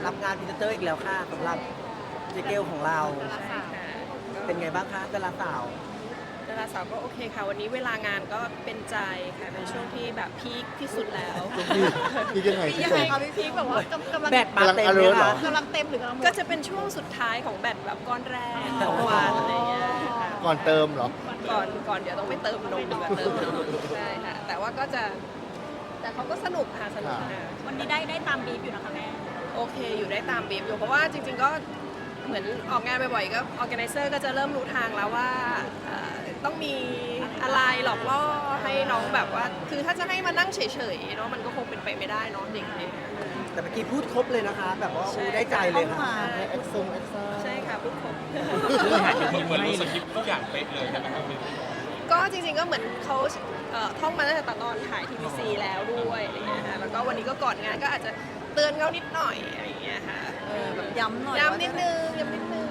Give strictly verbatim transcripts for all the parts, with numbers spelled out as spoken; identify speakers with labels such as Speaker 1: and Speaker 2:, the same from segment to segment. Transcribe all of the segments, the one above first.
Speaker 1: รับงานพรีเซนเตอร์อีกแล้วค่ะสำหรับเจเกลของเรา
Speaker 2: ใช่ค่ะ
Speaker 1: เป็นไงบ้างคะดาราสาว
Speaker 2: ดาราสาวก็โอเคค่ะ วันนี้เวลางานก็เป็นใจค่ะเป็นช่วงที่แบบพีคที่สุดแล้ว
Speaker 3: พี่ยังไง
Speaker 4: พี่
Speaker 3: พี่
Speaker 4: ยัง
Speaker 3: ช
Speaker 4: ไง
Speaker 3: ม
Speaker 4: คะพี่พีคแบบว่ากำกำลัง
Speaker 1: แบตมาเต็มเลย
Speaker 3: กำลัง alert เหร
Speaker 1: ค่ะ
Speaker 3: อ
Speaker 4: กำลังเต็มหรือกำลังหมด
Speaker 2: ก็จะเป็นช่วงสุดท้ายของแบตแบบก้อนแรกของวันอะไรเงี้ยค่ะ
Speaker 3: ก่อนเติมเหรอ
Speaker 2: ก่อนก่อนเดี๋ยวต้องไปเติมนมกับเติมนมใช่ค่ะแต่ว่าก็จะแต่เขาก็สนุกค่ะสนุกค่ะ
Speaker 4: วันนี้ได้ได้ตามบีฟอยู่นะคะแม่
Speaker 2: โอเคอยู่ได้ตามบีบอยู่เพราะว่าจริง ๆ ก็เหมือนออกงานบ่อยๆก็ออแกไนเซอร์ก็จะเริ่มรู้ทางแล้วว่าเอ่อต้องมีอะไรหลอกล่อให้น้องแบบว่า คือถ้าจะให้มานั่งเฉยๆเนาะมันก็คงเป็นไปไม่ได้เนาะเด็ก
Speaker 1: แต่เมื่อกี้พูดครบเลยนะคะ แบบว่า
Speaker 2: ใช่
Speaker 1: อู้ได้ใจเลยค่ะ
Speaker 3: ให้เอ็กซ์ซงเอ็กซ่า
Speaker 2: ๆใช่ค่ะพูดครบ
Speaker 5: เหมือนรู้สคริปต์ทุกอย่างเป๊ะเลยใช่ไหมครับพี่
Speaker 2: ก็จริงๆก็เหมือนเขาเอ่อท่องมาตั้งแต่ตอนถ่ายทีวีซีแล้วด้วยอะไรเงี้ยค่ะแล้วก็วันนี้ก็ก่อนงานก็อาจจะเตือนเขานิดหน่อยอะไรเงี้ยค่ะเออแบบ
Speaker 4: ย้ำหน่อย
Speaker 2: ย้ำนิดนึงย้ำนิดนึง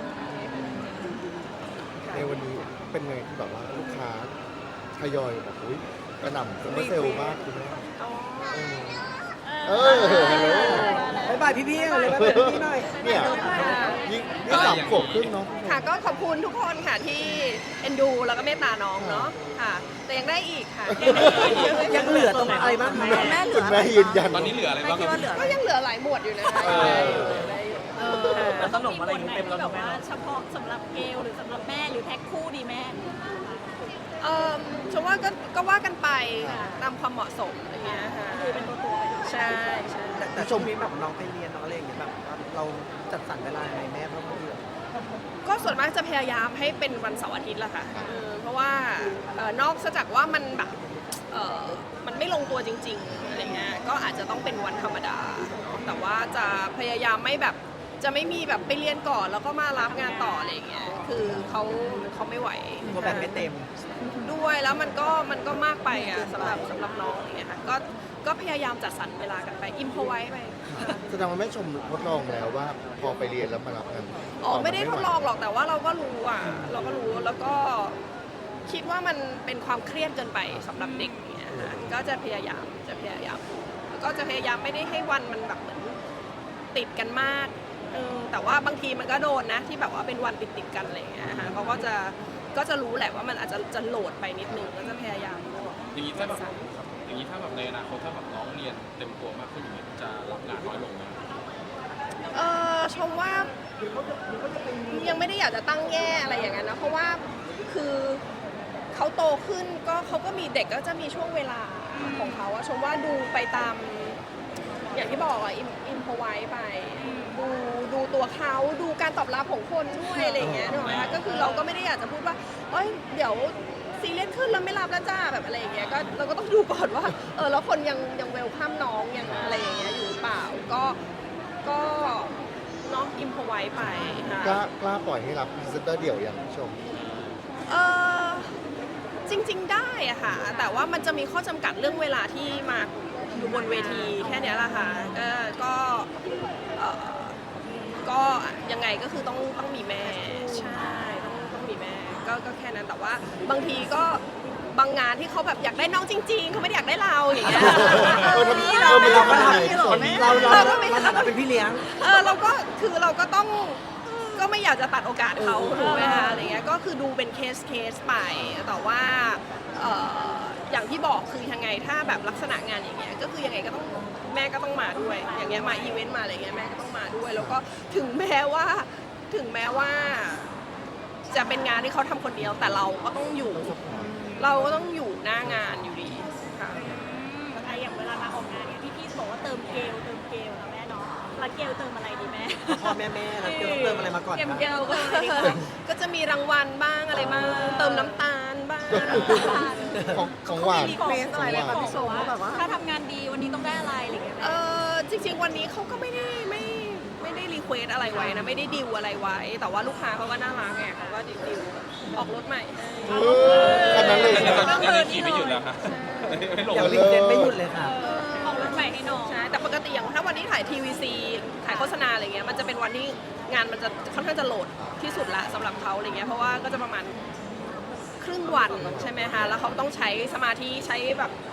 Speaker 3: ในวันนี้เป็นไงที่แบบว่าลูกค้าทยอยแบบอุ้ยกระหน่ำซัมเมอร์เซลล์มากคุณแม่
Speaker 2: อ๋อ
Speaker 3: เออฮัลโหล
Speaker 1: บ๊ายบายพี่ๆเลยบ๊ายบายพี่ๆหน่อย
Speaker 3: เนี่ยยิ่งยิ่งสามขวบครึ่งเนาะ
Speaker 2: ค่ะก็ขอบคุณทุกคนค่ะที่เอ็นดูแล้วก็เมตตาน้องเนาะค่ะ แต่ยังได้อีกค่ะ
Speaker 1: ยังเหลือตรงอะไรบ้างคะ
Speaker 4: แม่เหลื
Speaker 3: คุ
Speaker 4: อ
Speaker 3: ณแม่ยืนยัน
Speaker 5: ตอนนี้เหลืออะไร
Speaker 4: แม่
Speaker 5: บ้าง
Speaker 4: คิด
Speaker 5: ครับ
Speaker 4: ว่าเหลือ
Speaker 2: ก็ยังเหลือหลายหมวดอยู่นะคะ
Speaker 3: เออ
Speaker 2: ได้อยู่ได้อยู่
Speaker 4: เออมันต้องมีคนไหนที่แบบว่าเฉพาะสำหรับเกลหรือสำหรับแม่หรือแพ็คคู่ดีแม่
Speaker 2: เออฉันว่าก็ก็ว่ากันไปตามความเหมาะสมอะไรเงี้ยค่ะ
Speaker 4: คือเป็นตัวตัวไป
Speaker 2: ใช่ใช่
Speaker 1: แต่แต่ชมพี่แบบน้องไปเรียนน้องอะไรอย่างเงี้ยแบบว่าเราจัดสรรเวลาให้แม่เพราะบางทีแบบ
Speaker 2: ก็ส่วนมากจะพยายามให้เป็นวันเสาร์อาทิตย์แหละค่ะเออเพราะว่าเอ่อนอกจากว่ามันแบบเออมันไม่ลงตัวจริงๆอะไรเงี้ยก็อาจจะต้องเป็นวันธรรมดาเนอะแต่ว่าจะพยายามไม่แบบจะไม่มีแบบไปเรียนก่อนแล้วก็มารับงานต่ออะไรเงี้ยคือเขาเขาไม่ไหว
Speaker 1: กลัวแบบไม่เต็ม
Speaker 2: ด้วยแล้วมันก็มันก็มากไปอ่ะสำหรับสำหรับน้องอย่างเงี้ยค่ะก็ก็พยายามจัดสรรเวลากันไปอิมพอไว้ไป
Speaker 3: แสดงว่าแม่ชมทดลองแล้วว่าพอไปเรียนแล้วมารับงาน
Speaker 2: อ๋อไม่ได้ทดลองหรอกแต่ว่าเราก็รู้อ่ะเราก็รู้แล้วก็คิดว่ามันเป็นความเครียดเกินไปสำหรับเด็กอย่างเงี้ยค่ะก็จะพยายามจะพยายามแล้วก็จะพยายามไม่ได้ให้วันมันแบบเหมือนติดกันมากเออแต่ว่าบางทีมันก็โดนนะที่แบบว่าเป็นวันติดติดๆกันอะไรอย่างเงี้ยค่ะเขาก็จะก็จะรู้แหละว่ามันอาจจะจะโหลดไปนิดนึงก็จะพยายาม
Speaker 5: อย่างนี้ถ้าแบบอย่างนี้ถ้าแบบในอนาคตถ้าแบบน้องเรียนเต็มตัวมากขึ้นอย่างนี้จะรับงานน้อยลงไหม
Speaker 2: เออชมว่ายังไม่ได้อยากจะตั้งแง่อะไรอย่างนั้นนะเพราะว่าคือเขาโตขึ้นก็เขาก็มีเด็กก็จะมีช่วงเวลาของเขาอะชมว่าดูไปตามอย่างที่บอกอะอิมอิมพอไว้ไปดูดูตัวเขาดูการตอบรับของคนด้วยอะไรอย่างเงี้ยนึกออกไหมคะก็คือเราก็ไม่ได้อยากจะพูดว่าเอ้ยเดี๋ยวซีเรียสขึ้นแล้วไม่รับแล้วจ้าแบบอะไรอย่างเงี้ยก็เราก็ต้องดูก่อนว่าเออแล้วคนยังยังเวลข้ามน้องยังอะไรอย่างเงี้ยอยู่หรือเปล่าก็ก็เนาะอิมพอไว้ไปค่ะ
Speaker 3: กล้ากล้าปล่อยให้รับพรีเซนเตอร์เดี่ยวอย่างชม
Speaker 2: เออจริง ๆ ได้อะค่ะ แต่ว่ามันจะมีข้อจำกัดเรื่องเวลาที่มาอยู่บนเวทีแค่เนี้ยแหละค่ะก็ก็เอ่อก็ยังไงก็คือต้องต้องมีแม่ใช่ต้องต้องมีแม่ก็ก็แค่นั้นแต่ว่าบางทีก็บางงานที่เขาแบบอยากได้น้องจริง ๆเขาไม่ได้อยากได้เราอย่างเงี้ย
Speaker 3: เออทำ
Speaker 2: นี่
Speaker 3: เอ
Speaker 2: เรา
Speaker 3: อมัน
Speaker 1: เราก็
Speaker 3: ทำ
Speaker 1: ท
Speaker 3: ได้
Speaker 1: ำเราเราเราเราทำเป็นพี่เลี้ยง
Speaker 2: เออเราก็คือเราก็ต้องก็ไม่อยากจะตัดโอกาสเขาถูกไหมคะอะไรเงี้ยก็คือดูเป็นเคสเคสไปแต่ว่าเอ่ออย่างที่บอกคือยังไงถ้าแบบลักษณะงานอย่างเงี้ยก็คือยังไงก็ต้องแม่ก็ต้องมาด้วย อย่างเงี้ยมาอีเวนต์มาอะไรเงี้ยแม่ก็ต้องมาด้วย แล้วก็ถึงแม้ว่าถึงแม้ว่า จะเป็นงานที่เขาทำคนเดียวแต่เราก็ต้องอยู่ เราก็ต้องอยู่หน้างานอยู่ดีค่ะ
Speaker 4: ไออย่างเวลามาออกงานเนี่ยพี่พี่บอกว่าเติมเกลเติมเกลนะแม่เนาะแล้วเกลเติมอะไรดีแม่
Speaker 1: พ่อแม่แม่เราเติมเติมอะไรมาก่อน
Speaker 2: เกม
Speaker 1: คะ
Speaker 2: เกลก็ก็จะมีรางวัลบ้างอะไรบ้างเติมน้ำตาลบ้าง
Speaker 3: ของของหวาน
Speaker 4: มีเฟสอะไรเลยค่ะพี่ชม
Speaker 3: ของหวาน
Speaker 4: ว่าแบบว่าถ้าทำงานดีวันนี้ต้องได้อะไรอะไรอย่างเงี้ย
Speaker 2: เออจริงๆวันนี้เขาก็ไม่ได้ไม่ไม่ได้รีเควสอะไรไว้นะไม่ได้ดิวอะไรไว้ แต่ว่าลูกค้าเขาก็น่ารักไงเขาก็ดิวดิวออกรถใหม่ให้
Speaker 3: เออขนาดนั้นเลย
Speaker 5: ตอนนี้ตอนนี้ขี่ไม่หยุดแล้วครับไม่ลง
Speaker 1: อย่าง
Speaker 5: เล
Speaker 1: รี
Speaker 5: ย
Speaker 1: เซ็ตไม่หยุดเลยค่ะ
Speaker 4: ออกรถใหม่ให้น้อง
Speaker 2: ใช่แต่ปกติอย่างถ้าวันนี้ถ่ายทีวีซีถ่ายโฆษณาอะไรเงี้ยมันจะเป็นวันที่งานมันจะค่อนข้างจะโหลดที่สุดละสำหรับเขาอะไรเงี้ยเพราะว่าก็จะประมาณครึ่งวันใช่ไหมคะแล้วเขาต้องใช้สมาธิใช้แบบ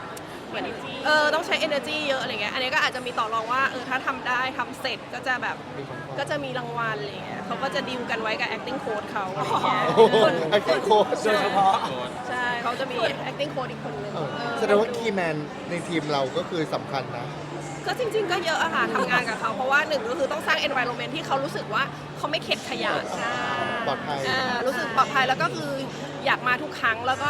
Speaker 2: เหมือนเออต้องใช้ energy เยอะอะไรเงี้ยอันนี้ก็อาจจะมีต่อรองว่าเออถ้าทำได้ทำเสร็จก็จะแบบ
Speaker 3: มีของขวัญ
Speaker 2: ก็จะมีรางวัลอะไรเงี้ยเขาก็จะดีลกันไว้กับ acting coach เขาอะไรเงี้ย
Speaker 3: โอ้โหไอ้โค้ช
Speaker 1: โดยเฉพาะ
Speaker 2: ใช่เขาจะมี acting coach อีกคนนึง
Speaker 3: เออ
Speaker 2: เออ
Speaker 3: แสดงว่าคีย์แมนในทีมเราก็คือสำคัญนะ
Speaker 2: ก็จริง ๆ ก็เยอะอะค่ะทำงานกับเขาเพราะว่าหนึ่งก็คือต้องสร้าง environment ที่เขารู้สึกว่าเขาไม่เข็ดขยะ
Speaker 3: ปลอดภัย
Speaker 2: อ่ารู้สึกปลอดภัยแล้วก็คืออยากมาทุกครั้งแล้วก็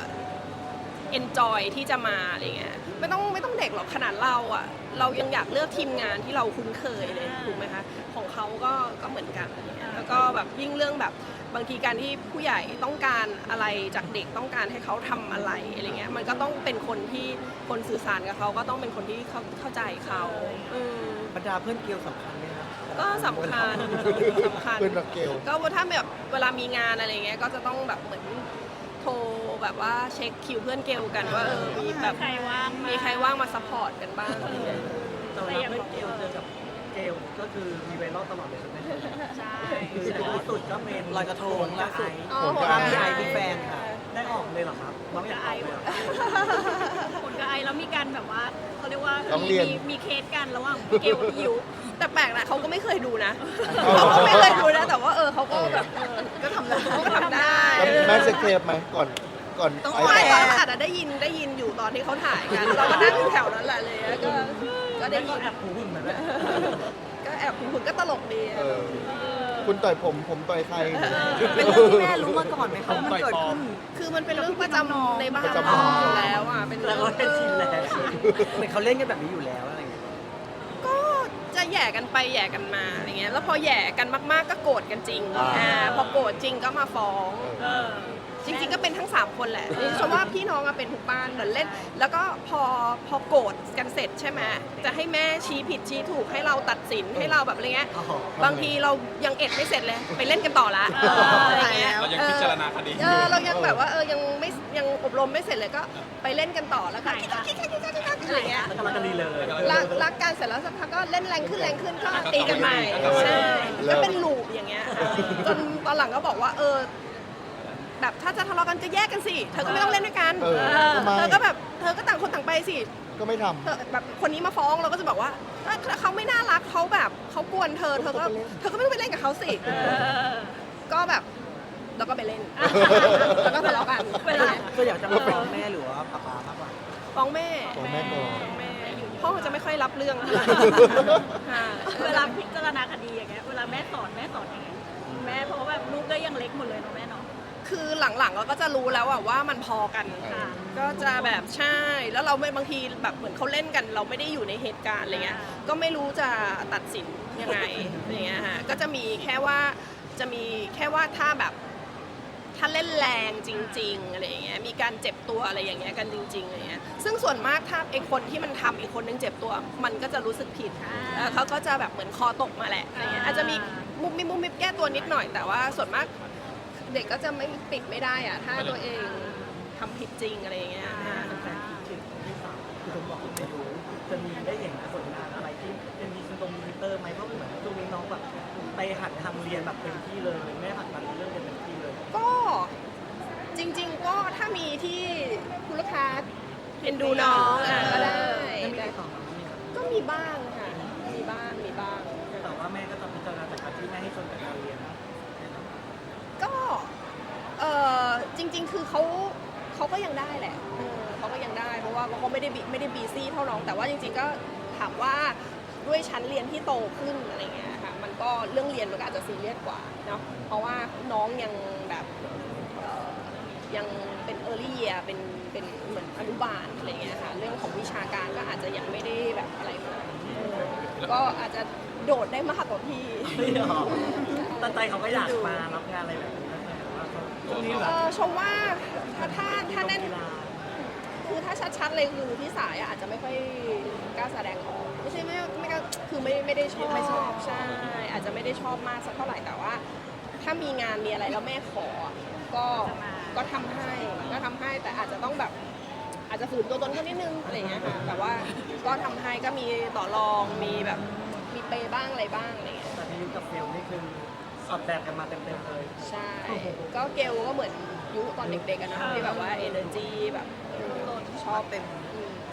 Speaker 2: enjoy ที่จะมาอะไรเงี้ยไม่ต้องไม่ต้องเด็กหรอกขนาดเราอะเรายังอยากเลือกทีมงานที่เราคุ้นเคยเลยถูกไหมคะของเขาก็ก็เหมือนกันอะไรเงี้ยแล้วก็แบบยิ่งเรื่องแบบบางทีการที่ผู้ใหญ่ต้องการอะไรจากเด็กต้องการให้เขาทำอะไรอะไรเงี้ยมันก็ต้องเป็นคนที่คนสื่อสารกับเขาก็ต้องเป็นคนที่เข้าเข้าใจเขาอืม
Speaker 1: บรรดาเพื่อนเกลียวสำคัญไหมครับ
Speaker 2: ก็สำคัญสำคัญ
Speaker 3: เพื่อนรักเกล
Speaker 2: ก็ถ้าแบบเวลามีงานอะไรเงี้ยก็จะต้องแบบเหมือนโทรแบบว่าเช็คคิวเพื่อนเกลกันว่าเออมีแบบ
Speaker 4: ใครว่าง
Speaker 2: มีใครว่างมาซัพพอร์ตกันบ้างอะไรเงี้ย
Speaker 1: ตอนเราเพื่อนเกลียวเจอกับเกลียวก็คือมีไวรัลตลอดเลยใช่ไหม
Speaker 4: ใช่
Speaker 1: คือล่าสุดก็เมนลอยกระทงล่าสุด
Speaker 2: อ๋อ
Speaker 3: ผม
Speaker 2: โห
Speaker 3: ก็
Speaker 2: ด
Speaker 1: มีไอ
Speaker 2: ร้าย
Speaker 1: มีแฟนค่ะได้ออกเลยเหรอครับน้องอยากออกเลยเหรอ
Speaker 4: คนกับไอแล้วมีการแบบว่าเขาเรียกว่า
Speaker 3: ต้องเรียน
Speaker 4: มีมีเคสกันระหว่างพี่เกลกับพี่ยุ
Speaker 2: แต่แปลกนะเขาก็ไม่เคยดูนะเขาก็ไม่เคยดูนะแต่ว่าเออเขาก็แบบเออก็ทำได้ก็ทำได้
Speaker 3: แล้วแม่เซ็กเทปไหมก่อนก่อน
Speaker 2: ต้อง
Speaker 3: ไอ้
Speaker 2: ไม่
Speaker 3: แต่
Speaker 2: ตอนนั้นอาจจะได้ยินได้ยินอยู่ตอนที่เขาถ่ายกันเราก็นั่งอยู่แถวนั้นแหละเลยก็ก็ได้
Speaker 1: ก็
Speaker 2: ยิน
Speaker 1: แอบหูหุ่นเหมือนกัน
Speaker 2: ก็แอบคุณก็ตลกดี
Speaker 3: เออคุณต่อยผมผมต่อยใคร
Speaker 1: เป็นเรื่องที่แม่รู้มาก่อนไหมครับว่ามันเกิดขึ้น
Speaker 2: คือมันเป็นเรื่องประจำในบ้าน
Speaker 3: ประจำ
Speaker 2: เราอยู่แล้วอ่ะเป็น
Speaker 1: แล้
Speaker 2: เรื่
Speaker 1: ว
Speaker 2: อง
Speaker 1: ก็เป็นชินแล้ว
Speaker 2: เออ
Speaker 1: เหมือนเขาเล่นกันแบบนี้อยู่แล้วอะไรอย่างเงี้ย
Speaker 2: ก็จะแหย่กันไปแหย่กันมาอะไรเงี้ยแล้วพอแหย่กันมากๆก็โกรธกันจริง
Speaker 3: อ่า
Speaker 2: อ่าพอโกรธจริงก็มาฟ้อง
Speaker 3: เออ
Speaker 2: จริงๆก็เป็นทั้งสามคนแหละดิฉันว่าพี่น้องอะเป็นทุกบ้านเหมือนเล่น แล้วก็พอพอโกรธกันเสร็จใช่ไหมจะให้แม่ชี้ผิดชี้ถูกให้เราตัดสินให้เราแบบอะไรเงี้ย
Speaker 1: อ๋อ
Speaker 2: บางทีเรายังเอ็ดไม่เสร็จเลยไปเล่นกันต่อละอะไรเงี้ย
Speaker 5: เรายังพิจารณาคดีอ
Speaker 2: เอยู่ อเรายังแบบว่าเออยังไม่ยังอบรมไม่เสร็จเลยก็ไปเล่นกันต่อแล้วก็คิกคิกคิกคิกคิกคิกอะไรเงี้ย
Speaker 1: แล้วก็รักกันดีเลย
Speaker 2: รักรักกันเสร็จแล้วสักพักก็เล่นแรงขึ้นแรงขึ้นก็ตีกันใหม่ใช่ก็เป็นลูปอย่างเงี้ยค่ะจนตอนหลังก็บอกว่าเออแบบถ้าจะทะเลาะกันก็แยกกันสิเธอก็ไม่ต้องเล่นด้วยกัน
Speaker 3: เออทำไม
Speaker 2: เธอก็แบบเธอก็ต่างคนต่างไปสิ
Speaker 3: ก็ไม่ท
Speaker 2: เธอแบบคนนี้มาฟ้องเราก็จะบอกว่าถ้าถ้าเขาไม่น่ารักเขาแบบเขากวนเธอเธอก็เธอก็ไม่ต้องไปเล่นกับเขาสิก็แบบเราก็ไปเล่นแล้วก็ทะเลาะกัน
Speaker 4: เวลา
Speaker 1: ก็อยากจะมาฟ้องแม่หรือว่าป๊าป๊ามากกว่า
Speaker 2: ฟ้องแม่
Speaker 3: ำของแม่ก่อน
Speaker 2: ฟ้องแม่พ่อจะไม่ค่อยรับเรื่องเท่าไหร่ค่ะ
Speaker 4: เวลาพิจารณาคดีอย่างเงี้ยเวลาแม่สอนแม่สอนยังไงแม่เพราะว่าแบบลูกก็ยังเล็กหมดเลยเนาะแม่เนาะ
Speaker 2: คือหลังๆเราก็จะรู้แล้วอะว่ามันพอกัน
Speaker 4: ค่ะ
Speaker 2: ก็จะแบบใช่แล้วเราไม่บางทีแบบเหมือนเขาเล่นกัน เราไม่ได้อยู่ในเหตุการณ์อะไรเงี้ยก็ไม่รู้จะตัดสินยังไงอย่างเงี้ยฮะก็จะมีแค่ว่าจะมีแค่ว่าถ้าแบบถ้าเล่นแรงจริงๆอะไรอย่างเงี้ยมีการเจ็บตัวอะไรอย่างเงี้ยกันจริงๆอะไรเงี้ยซึ่งส่วนมากถ้าไอ้คนที่มันทำอีกคนนึงเจ็บตัว มันก็จะรู้สึกผิดเออเขาก็จะแบบเหมือนคอตกมาแหละอะไรเงี้ยอาจจะมีมุมมิบมุมมิบแก้ตัวนิดหน่อยแต่ว่าส่วนมาก เด็กก็จะไม่ปิดไม่ได้อะถ้าตัวเองทำผิดจริงอะไรอย่างเงี้ยค่ะ
Speaker 1: แฟนคิดถึงพี่สาวคือผมบอกไม่รู้จะมีได้เห็นผลงานอะไรที่เป็นมีตรงมิเตอร์ไหมเพราะเหมือนช่วงนี้น้องแบบไปหัดทำเรียนแบบเต็มที่เลยแม่หัดมาเรื่องเรียนเต็มที่เลย
Speaker 2: ก็จริง ๆ ก็ถ้ามีที่คุณลูกค้าเอ็นดูน้องอ่ะก็ได้
Speaker 1: ไม่มีติดต่อมาไม่มีครับ
Speaker 2: ก็มีบ้างค่ะ มีบ้างมีบ้าง
Speaker 1: แต่ว่าแม่ก็จะพิจารณาจากการที่แม่ให้ชนกับการเรียนนะครับ
Speaker 2: ก็เออจริง ๆ คือเขาเขาก็ยังได้แหละเออเขาก็ยังได้เพราะว่าเขาไม่ได้บิไม่ได้บีซี่เท่าน้องแต่ว่าจริง ๆ ก็ถามว่าด้วยชั้นเรียนที่โตขึ้นอะไรเงี้ยค่ะมันก็เรื่องเรียนมันก็อาจจะซีเรียสกว่าเนาะเพราะว่าน้องยังแบบเอ่อยังเป็น early year เป็นเป็นเหมือนอนุบาลอะไรเงี้ยค่ะเรื่องของวิชาการก็อาจจะยังไม่ได้แบบอะไรมากเออก็อาจจะโดดได้มากกว่าพี่
Speaker 1: ไม่หรอกแต่ใจเขาก็อยากมารับงานอะไรแบบนี้นะแต่ว่าเขาช่วงนี้แบ
Speaker 2: เอบ อชมว่าถ้าถ้าถ้าแน่น
Speaker 1: กีฬา
Speaker 2: คือถ้าชัดๆเลยคือพี่สายอะอาจจะไม่ค่อยกล้าแสดงออกไม่ใช่ไม่ไม่กล้าคือไม่ไม่ได้ชอบ
Speaker 1: ไม่ชอบ
Speaker 2: ใช่อาจจะไม่ได้ชอบมากสักเท่าไหร่แต่ว่า ถ้ามีงานมีอะไรแล้วแม่ขอก็ก็ทำให้ก็ทำให้แต่อาจจะต้องแบบอาจจะฝืนตัวตนเขานิดนึงอะไรอย่างเงี้ยค่ะแต่ว่าก็ทำให้ก็มีต่อรองมีแบบมีเปย์บ้างอะไรบ้างอะไรอย่างเงี้ย
Speaker 1: แต่ที่ยุคกับเฟลนี่คือสอบแบบกันมาเต็มๆเลย
Speaker 2: ใช่ก็เกลก็เหมือนยุคตอนเด็กๆอะเนอะที่แบบว่า energy แบบเออชอบเป็นอืม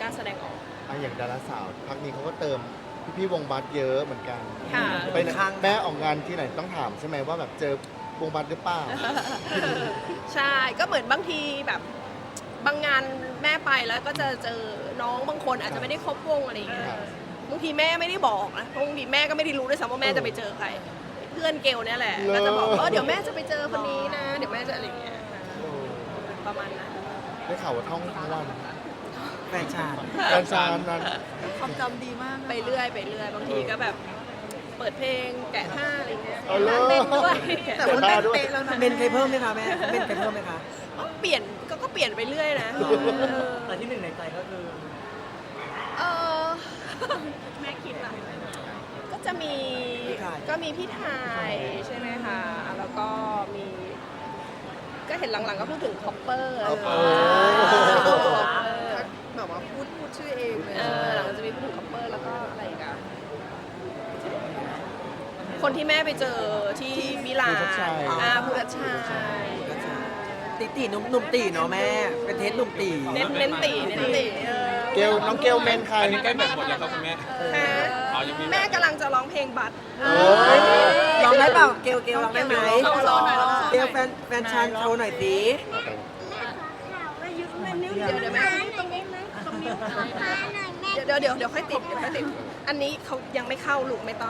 Speaker 2: กล้าแสดงออก
Speaker 3: อ่ะอย่างดาราสาวพักนี้เขาก็เติมพี่ๆวงบัสเยอะเหมือนกัน
Speaker 2: ค่ะ
Speaker 3: ไปไหนแม่ออกงานที่ไหนต้องถามใช่ไหมว่าแบบเจอวงบัสหรือเปล่า
Speaker 2: ใช่ก็เหมือนบางทีแบบบางงานแม่ไปแล้วก็จะเจอน้องบางคนอาจจะไม่ได้ครบวงอะไรอย่างเงี้ย
Speaker 3: ครับ
Speaker 2: บางทีแม่ไม่ได้บอกนะบางทีแม่ก็ไม่ได้รู้ด้วยซ้ำว่าแม่จะไปเจอใคร เพื่อนเกลเนี่ยแหละ
Speaker 3: เหรอ
Speaker 2: ก็จะบอกว่าเดี๋ยวแม่จะไปเจอคนนี้นะ เดี๋ยวแม่จะอะไรอย่างเงี้ย
Speaker 3: โอ้
Speaker 2: ประมาณนั้น
Speaker 3: ได้ข่าวว่าท่องทั้งวัน
Speaker 1: แฟนชาติ
Speaker 3: การชานนั้น
Speaker 4: ความจำดีมาก
Speaker 2: ไปเรื่อยไปเรื่อยบางทีก็แบบเปิดเพลงแกะท่าอะไรเงี้ย
Speaker 3: เอาเลย
Speaker 2: เต้นด้วย
Speaker 3: แต่ว่าเต้นเป๊ะแล้ว
Speaker 1: เบนเคยเพิ่มไหมคะแม่เบนเคยเพิ่มไหมคะ
Speaker 2: ก็เปลี่ยนก็ก็เปลี่ยนไปเรื่อยนะเออ
Speaker 1: แต่ที่หนึ่งในใจก็คือ
Speaker 2: เออ
Speaker 4: แม่คิดล่ะ
Speaker 2: ก็จะมี
Speaker 1: พี่ไทย
Speaker 2: ก็มีพี่ไทยใช่ไหมคะ แล้วก็มี ก็เห็นหลังๆก็พูดถึงคอปเปอร์
Speaker 3: คอปเปอร์
Speaker 2: แบบว่าพูดพูดชื่อเองเลยเออหลังๆจะมีพูดถึงคอปเปอร์แล้วก็อะไรอีกอะคนที่แม่ไปเจอที่มิลาน
Speaker 3: ภูทับชัย
Speaker 2: อ่าภูทับชัย
Speaker 1: ตีตีหนุ่มหนุ่มตีเนาะแม่ เป็นเทสหนุ่มตี
Speaker 2: เน้นเน้นตีเน้นตีเออ
Speaker 3: เกลน้องเกลเมนใคร
Speaker 5: อันนี้ใกล้แบบหมดแล้วครับคุณแม่
Speaker 2: ค่ะ
Speaker 5: อ๋อยังมี
Speaker 2: แม่กำลังจะร้องเพลงบัตร
Speaker 3: โอ้ย
Speaker 1: ลองได้เปล่าเกลเกลลองได้ไหม
Speaker 2: ลองลองหน่อยลองหน่อย
Speaker 1: เกลแฟนแฟนชานโชว์หน่อยสิ
Speaker 2: เดี๋ยวเดี๋ยวแม่เดี๋ยวเดี๋ยวเดี๋ยวค่อยติดเดี๋ยวค่อยติด อันนี้เขายังไม่เข้าลูกไม่ต้อง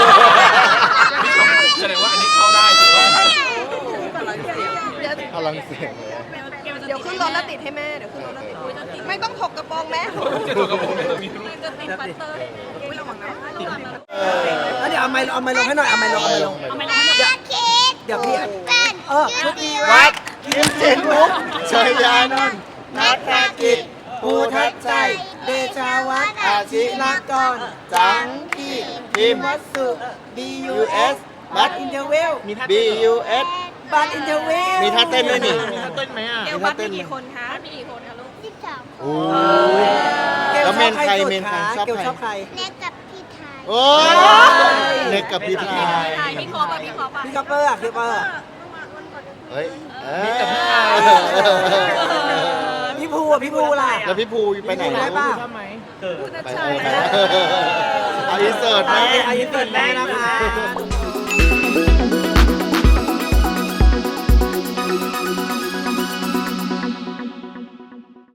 Speaker 5: แสดงว่าอันนี้เข้าได้ถูกต้อง
Speaker 2: เดี๋ยว
Speaker 3: พลังเสียงเลย
Speaker 2: เดี๋ยวขึ้นรถแล้วติดให้แม่เดี๋ยวขึ้นรถแล้วติดไม่ต้องถกกระโปรงแม่
Speaker 5: จะถูกกับผมไม่ต้องมีรูป
Speaker 4: จะติดปัตเตอร์
Speaker 2: อุ้ยระวังนะ
Speaker 1: แล้วเดี๋ยวเอาไม้เอาไม้ลงให้หน่อยเอาไม้ลงเอาไม้ลง
Speaker 4: เอาไม่ร้องเดี๋ยว
Speaker 1: เดี๋ยวพี่เออชุดดีวัดกินเจนมุก
Speaker 3: ชัยยานนท์นัทธกิจ
Speaker 1: ภูทับใจเดชาวัฒน์อาชิรกร
Speaker 3: จังพี่พิมพ์
Speaker 1: วัสสุ B U S บัตอินเทอร์เวล
Speaker 3: B U S
Speaker 1: บัตอินเทอร์เวล
Speaker 3: มีท่าเต้นด้วยนี่
Speaker 5: มีท่าเต้นไหมอ่ะ
Speaker 2: เกลบัตมีกี่คนคะมีกี่คนคะลูก
Speaker 3: โอ้ยแล้วเมนใครเมนใครชอบ
Speaker 1: เกล
Speaker 3: ใคร
Speaker 1: ชอบใคร
Speaker 6: เล็กกับพี่ไทย
Speaker 3: โอ้ยเน็กกับพี่ไทย
Speaker 2: ไทยพี่คอปะพี่คอปะ
Speaker 1: พี่คัพเปอร์อะพี่คัพเปอร์อะ
Speaker 3: เฮ้ยเอ้ย
Speaker 5: มีแต่พี่ไทย
Speaker 1: พี่ภูอะพี่ภูล่ะ
Speaker 3: แล้วพี่ภูไปไหน
Speaker 1: พี่ภูได้
Speaker 3: แล้ว
Speaker 1: ป่ะ
Speaker 2: ภูทับ
Speaker 3: ไป
Speaker 2: ชัย
Speaker 3: เอาอินเสิร์ตไหม
Speaker 1: อายุเกิดแม่นะคะ